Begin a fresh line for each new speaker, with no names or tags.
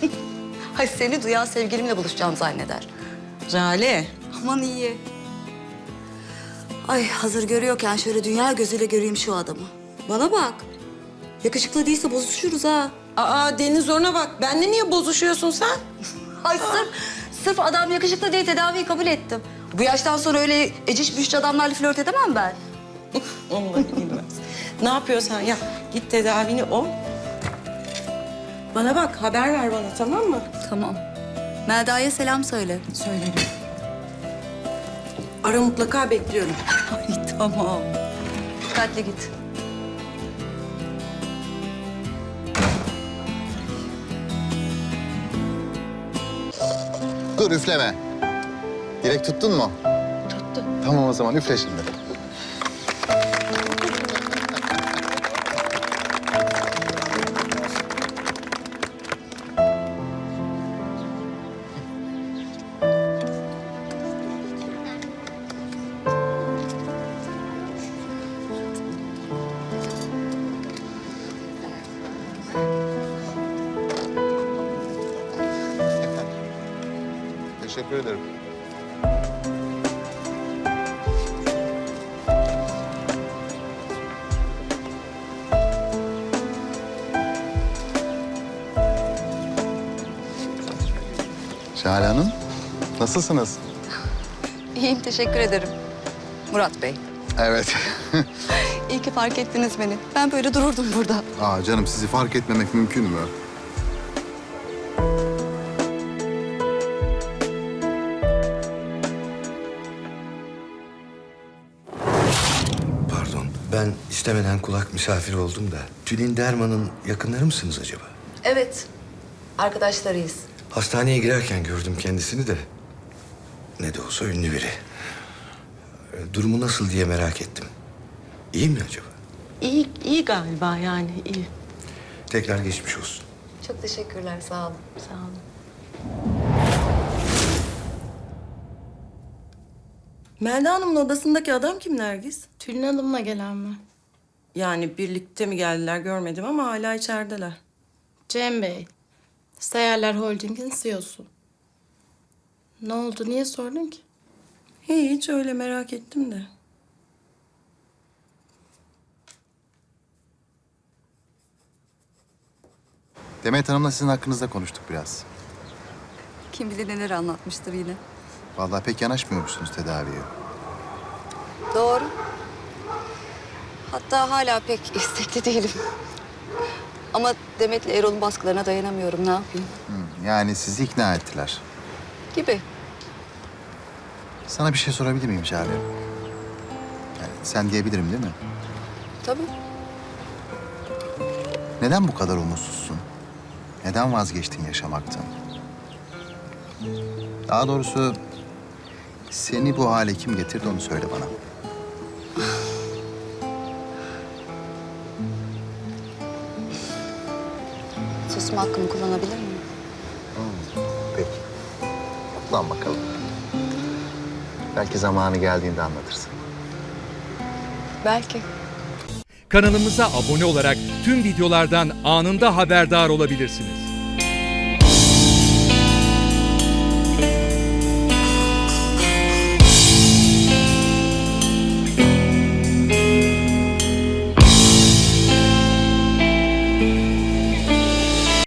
Ay seni duyan sevgilimle buluşacağım zanneder.
Jale.
Aman iyi. Ay hazır görüyorken şöyle dünya gözüyle göreyim şu adamı. Bana bak. Yakışıklı değilse bozuşuruz ha.
Aa Deniz ona bak. Benle niye bozuşuyorsun sen?
Ay sırf adam yakışıklı diye tedaviyi kabul ettim. Bu yaştan sonra öyle eciş büyüş adamlarla flört edemem ben.
Onları bilmez. Ne yapıyorsan yap. Git tedavini ol. Bana bak haber ver bana tamam mı?
Tamam. Melda'ya selam söyle.
Söylerim. Ara mutlaka bekliyorum.
Ay tamam. Dikkatli git.
Dur üfleme. Direkt tuttun mu?
Tuttu.
Tamam o zaman üfle şimdi. Teşekkür ederim. Şahane Hanım, nasılsınız?
İyiyim teşekkür ederim. Murat Bey.
Evet.
İyi ki fark ettiniz beni. Ben böyle dururdum burada.
Aa canım sizi fark etmemek mümkün mü?
Pardon, ben istemeden kulak misafiri oldum da... Tülin Derman'ın yakınları mısınız acaba?
Evet. Arkadaşlarıyız.
Hastaneye girerken gördüm kendisini de. Ne de olsa ünlü biri. Durumu nasıl diye merak ettim. İyi mi acaba?
İyi galiba yani iyi.
Tekrar geçmiş olsun.
Çok teşekkürler sağ olun.
Sağ olun. Melda Hanım'ın odasındaki adam kim Nergis?
Tülin Hanım'la gelen mi?
Yani birlikte mi geldiler görmedim ama hala içerideler.
Cem Bey. Seyyarlar Holding'in CEO'su. Ne oldu? Niye sordun ki?
Hiç öyle merak ettim de.
Demet Hanım'la sizin hakkınızda konuştuk biraz.
Kim bilir neler anlatmıştır yine.
Vallahi pek yanaşmıyormuşsunuz tedaviye.
Doğru. Hatta hala pek istekli değilim. Ama Demet'le Erol'un baskılarına dayanamıyorum. Ne yapayım?
Yani sizi ikna ettiler.
Gibi.
Sana bir şey sorabilir miyim Şahane? Yani sen diyebilirim değil mi?
Tabii.
Neden bu kadar umutsuzsun? Neden vazgeçtin yaşamaktan? Daha doğrusu seni bu hale kim getirdi onu söyle bana.
Susma hakkımı kullanabilir miyim?
Peki. Kullan bakalım. Belki zamanı geldiğinde anlatırsın.
Belki.
Kanalımıza abone olarak tüm videolardan anında haberdar olabilirsiniz.